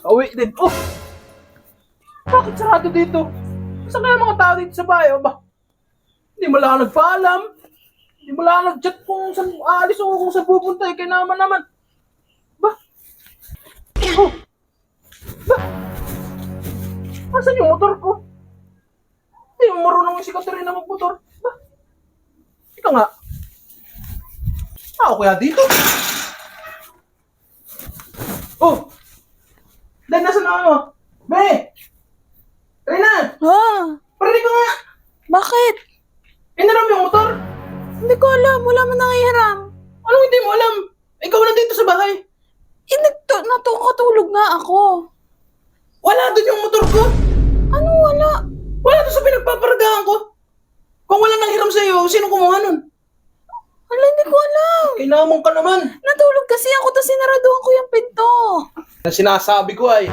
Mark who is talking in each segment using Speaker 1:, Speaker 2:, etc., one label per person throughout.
Speaker 1: Pauwi din. Oh! Bakit sarado dito? Saan kaya mga tao dito sa bahay? O ba? Hindi mo lang ako nagpaalam. Hindi mo lang ako nag-chat kung saan aalis o kung saan pupunta. Kaya naman. Ba? Oh! Ba? Asan yung motor ko? Hindi mo marunong si Katerina magmotor. Ba? Ika nga. Ako kaya dito? Oh! Dahil nasa na ano? Be! Rina!
Speaker 2: Ah,
Speaker 1: Parinig ko nga!
Speaker 2: bakit?
Speaker 1: Inaram yung motor?
Speaker 2: Hindi ko alam. Wala man nangihiram.
Speaker 1: Anong hindi mo alam? Ikaw na dito sa bahay.
Speaker 2: Eh, natutulog nga ako.
Speaker 1: Wala doon yung motor ko.
Speaker 2: Ano wala?
Speaker 1: Wala doon sa pinagpaparagahan ko. Kung wala nang hiram sa'yo, sino kumuha nun?
Speaker 2: Wala, hindi ko alam.
Speaker 1: Kinamong ka naman.
Speaker 2: Natulog kasi ako tapos sinaraduhan ko yung pinto.
Speaker 1: Ang sinasabi ko ay,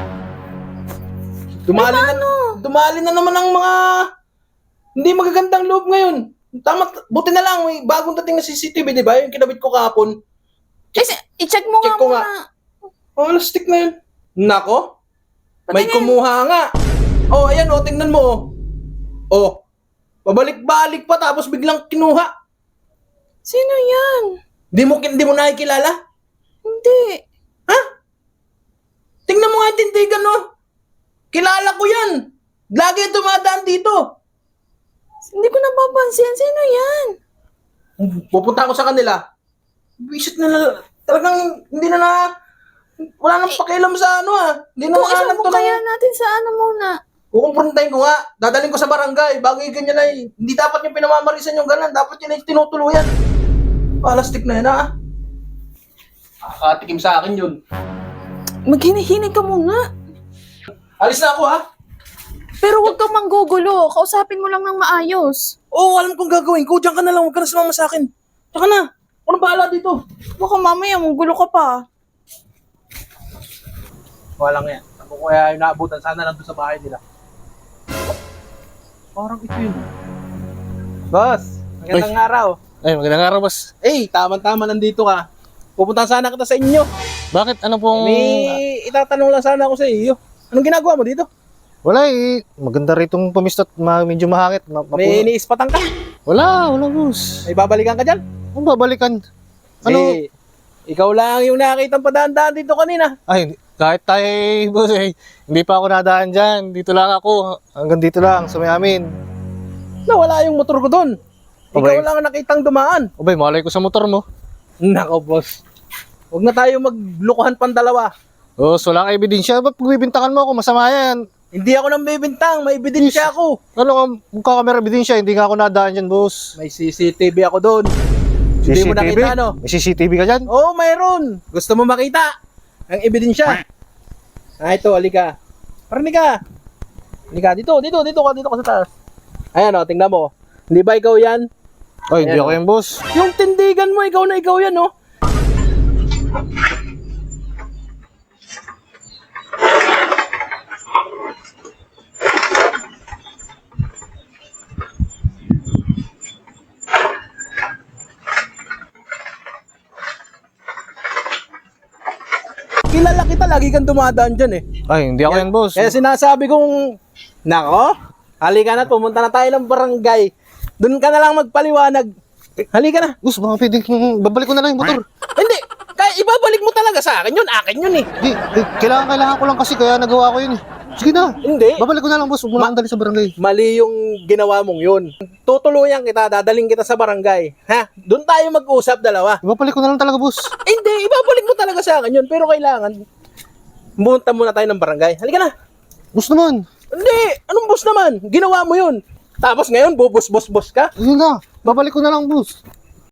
Speaker 1: dumali na naman ang mga hindi magagandang loob ngayon. Tama, buti na lang, may bagong dating na CCTV, di ba? Yung kinabit ko kahapon.
Speaker 2: I-check mo
Speaker 1: Check
Speaker 2: nga
Speaker 1: ko
Speaker 2: muna.
Speaker 1: nga. Oh, stick na yun. Nako, may
Speaker 2: Patingin.
Speaker 1: kumuha nga. Oh, ayan, oh, tingnan mo. Oh, pabalik-balik pa tapos biglang kinuha.
Speaker 2: Sino yan?
Speaker 1: Di mo nakikilala?
Speaker 2: Hindi.
Speaker 1: Ha? Tingnan mo nga yung tindigan, no? Kilala ko yan. Lagi dumadaan dito.
Speaker 2: Hindi ko napapansin. Sino yan?
Speaker 1: Pupunta ako sa kanila. Visit na talagang hindi na wala nang pakialam sa ano Hindi na
Speaker 2: Kung
Speaker 1: makahanap
Speaker 2: isang
Speaker 1: to
Speaker 2: kaya
Speaker 1: ng...
Speaker 2: natin sa ano muna.
Speaker 1: Kukumprontahin ko nga. Dadalhin ko sa barangay. Bago yung ganyan ay, hindi dapat yung pinamamarisan yung ganan. Dapat yun ay tinutuluyan. Palastik na yan Nakakatikim sa akin yun.
Speaker 2: Maghinihinig ka muna.
Speaker 1: Alis na ako
Speaker 2: Pero huwag kang manggugulo. Kausapin mo lang ng maayos.
Speaker 1: Oo, alam kong gagawin ko. Diyan ka na lang. Huwag ka na sumama sa akin. Tsaka na. Ano bahala dito?
Speaker 2: Baka mamaya manggulo ka pa.
Speaker 1: Walang yan. Ako kaya yung naabutan. Sana nandun sa bahay nila. Parang ito yun. Boss, magandang araw.
Speaker 3: Ay, magandang araw, boss.
Speaker 1: Tama-tama nandito ka. Pupunta sana kita sa inyo.
Speaker 3: Bakit? Ano pong...
Speaker 1: May itatanong lang sana ako sa iyo. Anong ginagawa mo dito?
Speaker 3: Wala eh. Maganda ritong pumistot. Medyo mahangit.
Speaker 1: May iniispatan ka?
Speaker 3: Wala, boss.
Speaker 1: May babalikan ka dyan?
Speaker 3: Ano babalikan? Ano?
Speaker 1: Eh, ikaw lang yung nakakitang padaan-daan dito kanina.
Speaker 3: Ay, kahit tayo, boss eh. Hindi pa ako nadaan dyan. Dito lang ako. Hanggang dito lang, sa may amin.
Speaker 1: Nawala yung motor ko doon. Ikaw
Speaker 3: Abay.
Speaker 1: lang ang nakitang dumaan.
Speaker 3: Abay, malay ko sa motor mo.
Speaker 1: Nako, boss. Huwag na tayo maglukuhan pang dalawa.
Speaker 3: Boss, wala kang ebidensya. Ba't pagbibintangan mo ako? Masama yan.
Speaker 1: Hindi ako nang bibintang. May ebidensya ako.
Speaker 3: Ano ka, mukha kamera ebidensya. Hindi nga ako nadaan dyan, boss.
Speaker 1: May CCTV ako doon. Hindi mo nakita, no?
Speaker 3: May CCTV ka dyan?
Speaker 1: Oo, mayroon. Gusto mo makita ang ebidensya? Ito, halika. Parinig ka. Halika, dito ka sa taas. Ayan, tingnan mo. Hindi ba ikaw yan?
Speaker 3: Ay, hindi
Speaker 1: Ayan,
Speaker 3: ako yan, boss.
Speaker 1: Yung tindigan mo, ikaw yan, no? Kilala kita, lagi kang dumadaan dyan eh.
Speaker 3: Ay, hindi ako yan, boss.
Speaker 1: Kaya sinasabi kong, nako, halika na, pumunta na tayo ng barangay. Doon ka na lang magpaliwanag. Halika na.
Speaker 3: Boss, baka pwedeng babalik ko na lang yung motor.
Speaker 1: Hindi, kaya ibabalik mo talaga sa akin yun. Akin yun eh.
Speaker 3: Di, kailangan ko lang kasi kaya nagawa ko yun eh. Sige na.
Speaker 1: Hindi.
Speaker 3: Babalik ko na lang, boss. Huwag mo na akong dali sa barangay.
Speaker 1: Mali yung ginawa mong yun. Tutuluyan kita, dadaling kita sa barangay. Ha? Doon tayo mag-usap dalawa.
Speaker 3: Babalik ko na lang talaga, boss.
Speaker 1: Hindi, ibabalik mo talaga sa akin yun. Pero kailangan, pumunta muna tayo ng barangay. Halika na.
Speaker 3: Boss naman.
Speaker 1: Hindi, anong boss naman? Ginawa mo yun. Tapos ngayon, bubos-bos-bos ka.
Speaker 3: Yun na. Babalik ko na lang, boss.